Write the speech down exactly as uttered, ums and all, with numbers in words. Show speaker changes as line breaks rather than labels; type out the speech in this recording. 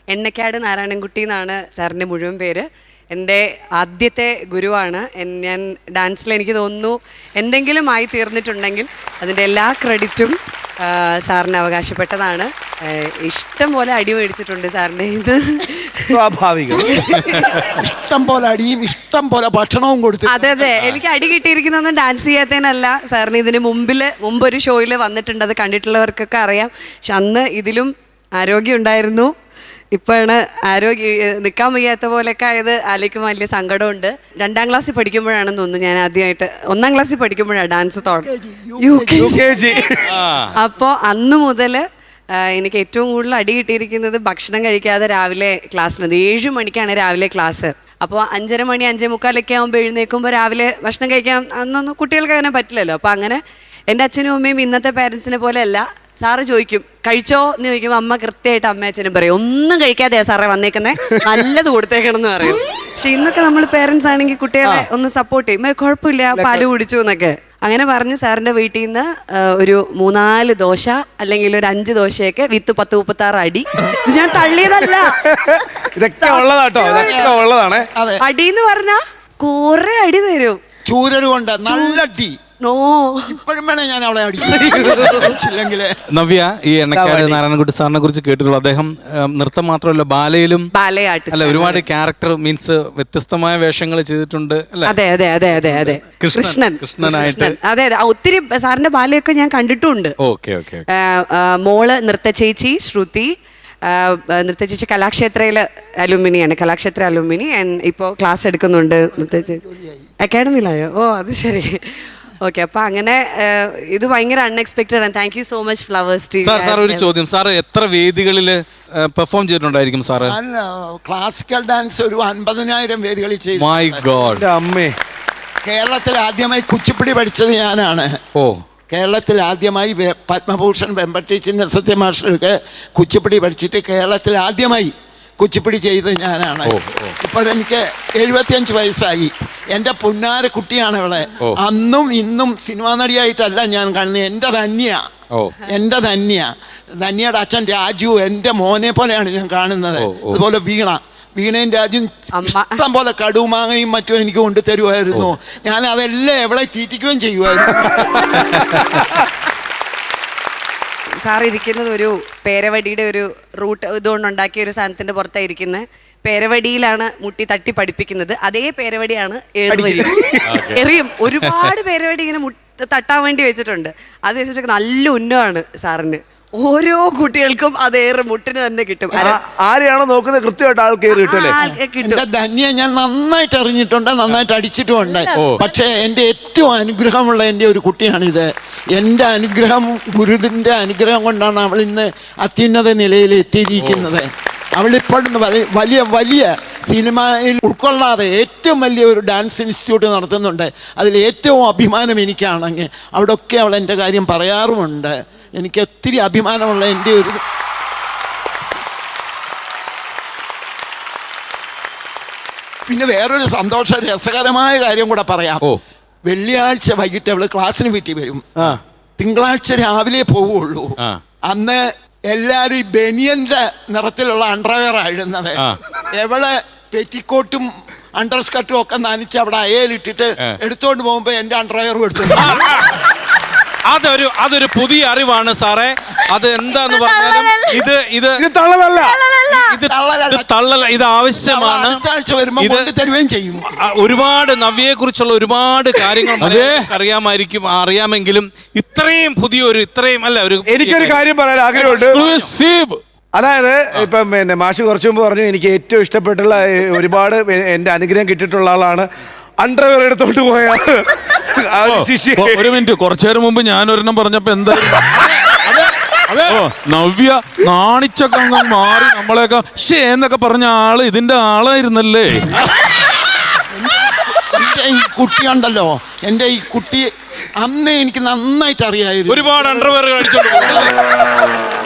എണ്ണക്കാട് നാരായണൻകുട്ടി എന്നാണ് സാറിൻ്റെ മുഴുവൻ പേര്. എൻ്റെ ആദ്യത്തെ ഗുരുവാണ്. ഞാൻ ഡാൻസിൽ എനിക്ക് തോന്നുന്നു എന്തെങ്കിലും ആയി തീർന്നിട്ടുണ്ടെങ്കിൽ അതിൻ്റെ എല്ലാ ക്രെഡിറ്റും സാറിന് അവകാശപ്പെട്ടതാണ്. ഇഷ്ടം പോലെ അടി മേടിച്ചിട്ടുണ്ട് സാറിൻ്റെ ഇത്.
സ്വാഭാവികം. ഇഷ്ടം പോലെ അടിയും ഇഷ്ടം പോലെ ഭക്ഷണവും കൊടുത്തു.
അതെ അതെ, എനിക്ക് അടി കിട്ടിയിരിക്കുന്നതൊന്നും ഡാൻസ് ചെയ്യാത്തതിനല്ല. സാറിന് ഇതിന് മുമ്പിൽ മുമ്പൊരു ഷോയിൽ വന്നിട്ടുണ്ട്, അത് കണ്ടിട്ടുള്ളവർക്കൊക്കെ അറിയാം. പക്ഷെ അന്ന് ഇതിലും ആരോഗ്യം ഉണ്ടായിരുന്നു. ഇപ്പോഴാണ് ആരോഗ്യ നിൽക്കാൻ വയ്യാത്ത പോലെയൊക്കെ ആയത് ആലോചിക്കുമ്പോൾ വലിയ സങ്കടമുണ്ട്. രണ്ടാം ക്ലാസ്സിൽ പഠിക്കുമ്പോഴാണെന്ന് തോന്നുന്നു ഞാൻ ആദ്യമായിട്ട്, ഒന്നാം ക്ലാസ്സിൽ പഠിക്കുമ്പോഴാണ് ഡാൻസ് തുടങ്ങി. അപ്പോൾ അന്ന് മുതൽ എനിക്ക് ഏറ്റവും കൂടുതൽ അടി കിട്ടിയിരിക്കുന്നത് ഭക്ഷണം കഴിക്കാതെ രാവിലെ ക്ലാസ്സിലുണ്ട്. ഏഴ് മണിക്കാണ് രാവിലെ ക്ലാസ്. അപ്പോൾ അഞ്ചര മണി അഞ്ചേ മുക്കാലൊക്കെ ആകുമ്പോൾ എഴുന്നേൽക്കുമ്പോൾ രാവിലെ ഭക്ഷണം കഴിക്കാൻ അന്നൊന്നും കുട്ടികൾക്ക് അങ്ങനെ പറ്റില്ലല്ലോ. അപ്പോൾ അങ്ങനെ എൻ്റെ അച്ഛനും അമ്മയും ഇന്നത്തെ പേരൻസിനെ പോലെയല്ല. സാറ് ചോദിക്കും കഴിച്ചോ എന്ന് ചോദിക്കുമ്പോൾ അമ്മ കൃത്യമായിട്ട് അമ്മ അച്ഛനും പറയും ഒന്നും കഴിക്കാതെയാ സാറേ വന്നേക്കുന്നേ, നല്ലത് കൊടുത്തേക്കണം എന്ന് പറയും. പക്ഷെ ഇന്നൊക്കെ നമ്മൾ പേരൻസ് ആണെങ്കിൽ കുട്ടികളെ ഒന്ന് സപ്പോർട്ട് ചെയ്യും, കുഴപ്പമില്ല പാല് കുടിച്ചു എന്നൊക്കെ അങ്ങനെ പറഞ്ഞ് സാറിൻ്റെ വീട്ടിൽ നിന്ന് ഒരു മൂന്നാല് ദോശ അല്ലെങ്കിൽ ഒരു അഞ്ച് ദോശയൊക്കെ വിത്ത് പത്ത് മുപ്പത്തി ആറ് അടി. ഞാൻ തള്ളിയതല്ല,
ഇതൊക്കെ ഉള്ളതാട്ടോ, ഇതൊക്കെ ഉള്ളതാണ്.
അടിന്ന് പറഞ്ഞാ കുറെ അടി തരും.
ചൂരല് കൊണ്ട് നല്ല അടി.
നോ,
ഇപ്പോഴും വേണേ ഞാൻ അവളെ അടിക്കില്ലെങ്കിൽ.
നവ്യ, ഈ എണ്ണക്കാട് നാരായണൻകുട്ടി സാറിനെ കുറിച്ച് കേട്ടിട്ടുള്ളൂ. അദ്ദേഹം നൃത്തം മാത്രമല്ല ബാലയിലും അല്ല ഒരുപാട് ക്യാരക്ടർ മീൻസ് വ്യത്യസ്തമായ വേഷങ്ങൾ ചെയ്തിട്ടുണ്ട്.
അതെ അതെ അതെ അതെ അതെ കൃഷ്ണൻ കൃഷ്ണനായിട്ട് അതെ അതെ ഒത്തിരി സാറിന്റെ ബാലയൊക്കെ ഞാൻ കണ്ടിട്ടുണ്ട്.
Okay okay.
മോള് നൃത്ത ചേച്ചി ശ്രുതി, നൃത്ത ചേച്ചി കലാക്ഷേത്രയില് അലുമിനിയാണ്, കലാക്ഷേത്ര അലുമിനി. ഇപ്പോൾ ക്ലാസ് എടുക്കുന്നുണ്ട് നൃത്ത ചേച്ചി അക്കാഡമിയിലായോ? ഓ അത് ശരി. ഓക്കെ, അപ്പൊ അങ്ങനെ ഇത് ഭയങ്കര അൺഎക്സ്പെക്ടഡ് ആണ്. Thank you so much Flowers team.
Sir sir ഒരു ചോദ്യം, സാർ എത്ര വേദികളിൽ പെർഫോം ചെയ്തിട്ടുണ്ടായിരിക്കും സാറ്?
ക്ലാസിക്കൽ ഡാൻസ് ഒരു അൻപതിനായിരം വേദികളിൽ ചെയ്തു.
My God.
അമ്മേ, കേരളത്തിൽ ആദ്യമായി കുച്ചിപ്പിടി പഠിച്ചത് ഞാനാണ്. ഓ, കേരളത്തിൽ ആദ്യമായി പത്മഭൂഷൺ വെമ്പട്ടി ചിന്ന സത്യമാഷൊക്കെ കുച്ചിപ്പിടി പഠിച്ചിട്ട് കേരളത്തിൽ ആദ്യമായി കുച്ചിപ്പിടി ചെയ്ത് ഞാനാണ്. ഇപ്പോൾ എനിക്ക് എഴുപത്തിയഞ്ച് വയസ്സായി. എൻ്റെ പൊന്നാര കുട്ടിയാണ് ഇവിടെ. അന്നും ഇന്നും സിനിമാ നടിയായിട്ടല്ല ഞാൻ കാണുന്നത്. എൻ്റെ ധന്യ എൻ്റെ ധന്യ ധന്യയുടെ അച്ഛൻ രാജു എൻ്റെ മോനെ പോലെയാണ് ഞാൻ കാണുന്നത്. അതുപോലെ വീണ വീണയും രാജും ഇഷ്ടം പോലെ കടുമാങ്ങയും മറ്റും എനിക്ക് കൊണ്ടുതരുമായിരുന്നു. ഞാൻ അതെല്ലാം എവിടെ തീറ്റിക്കുകയും ചെയ്യുമായിരുന്നു.
സാർ ഇരിക്കുന്നത് ഒരു പേരവടിയുടെ ഒരു റൂട്ട് ഇതുകൊണ്ട് ഉണ്ടാക്കിയ ഒരു സാധനത്തിന്റെ പുറത്തായിരിക്കുന്നത്. പേരവടിയിലാണ് മുട്ടി തട്ടി പഠിപ്പിക്കുന്നത്. അതേ പേരവടിയാണ് എറിയും. ഒരുപാട് പേരവടി ഇങ്ങനെ തട്ടാൻ വേണ്ടി വെച്ചിട്ടുണ്ട്. അത് വെച്ചിട്ട് നല്ല ഉന്നമാണ് സാറിന്. ഓരോ കുട്ടികൾക്കും അതേറെ മുട്ടിന് തന്നെ കിട്ടും.
ആരെയാണോ നോക്കുന്നത് കൃത്യമായിട്ട് ആൾ കയറി
കിട്ടും. ധന്യ ഞാൻ നന്നായിട്ട് അറിഞ്ഞിട്ടുണ്ട്, നന്നായിട്ട് അടിച്ചിട്ടുമുണ്ട്. പക്ഷേ എൻ്റെ ഏറ്റവും അനുഗ്രഹമുള്ള എൻ്റെ ഒരു കുട്ടിയാണിത്. എൻ്റെ അനുഗ്രഹം, ഗുരുവിൻ്റെ അനുഗ്രഹം കൊണ്ടാണ് അവൾ ഇന്ന് അത്യുന്നത നിലയിൽ എത്തിയിരിക്കുന്നത്. അവളിപ്പോഴും വലിയ വലിയ സിനിമയിൽ ഉൾക്കൊള്ളാതെ ഏറ്റവും വലിയ ഒരു ഡാൻസ് ഇൻസ്റ്റിറ്റ്യൂട്ട് നടത്തുന്നുണ്ട്. അതിൽ ഏറ്റവും അഭിമാനം എനിക്കാണെങ്കിൽ അവിടെയൊക്കെ അവൾ എൻ്റെ കാര്യം പറയാറുമുണ്ട്. എനിക്ക് ഒത്തിരി അഭിമാനമുള്ള എൻ്റെ ഒരു പിന്നെ വേറൊരു സന്തോഷ രസകരമായ കാര്യം കൂടെ പറയാം. വെള്ളിയാഴ്ച വൈകിട്ട് അവള് ക്ലാസ്സിന് വീട്ടിൽ വരും. തിങ്കളാഴ്ച രാവിലെ പോവുള്ളൂ. അന്ന് എല്ലാവരും ഈ ബനിയന്റെ നിറത്തിലുള്ള അണ്ടർവെയർ ആയിരുന്നത്. എവളെ പെറ്റിക്കോട്ടും അണ്ടർ സ്കർട്ടും ഒക്കെ നനച്ച് അവിടെ അയലിട്ടിട്ട് എടുത്തോണ്ട് പോകുമ്പോ എന്റെ അണ്ടർവെയറും എടുത്തു.
അതൊരു അതൊരു പുതിയ അറിവാണ് സാറേ. അത് എന്താന്ന് പറഞ്ഞാലും ഇത് ഇത് തള്ളലല്ല, ഇത് തള്ളല, ഇത് ആവശ്യമാണ്.
തരുകയും ചെയ്യും.
ഒരുപാട് നവ്യയെ കുറിച്ചുള്ള ഒരുപാട് കാര്യങ്ങൾ അറിയാമായിരിക്കും, അറിയാമെങ്കിലും ഇത്രയും പുതിയൊരു ഇത്രയും അല്ല ഒരു
എനിക്കൊരു കാര്യം പറയാൻ ആഗ്രഹമുണ്ട്. അതായത് ഇപ്പം പിന്നെ മാഷ് കുറച്ചു മുമ്പ് പറഞ്ഞു എനിക്ക് ഏറ്റവും ഇഷ്ടപ്പെട്ടുള്ള ഒരുപാട് എൻ്റെ അനുഗ്രഹം കിട്ടിയിട്ടുള്ള ആളാണ് അണ്ടർവെയർ എടുത്തോണ്ട് പോയ
ഒരു മിനിറ്റ്. കുറച്ചു നേരം മുമ്പ് ഞാൻ ഒരെണ്ണം പറഞ്ഞപ്പോ എന്താ നവ്യ നാണിച്ചൊക്കെ അങ്ങ് മാറി നമ്മളെയൊക്കെ ഷേ എന്നൊക്കെ പറഞ്ഞ ആള് ഇതിന്റെ ആളായിരുന്നല്ലേ.
ഈ കുട്ടിയുണ്ടല്ലോ, എൻ്റെ ഈ കുട്ടി അന്ന് എനിക്ക് നന്നായിട്ട് അറിയായിരുന്നു.
ഒരുപാട് അണ്ടർവെയർ കാണിച്ചോണ്ട്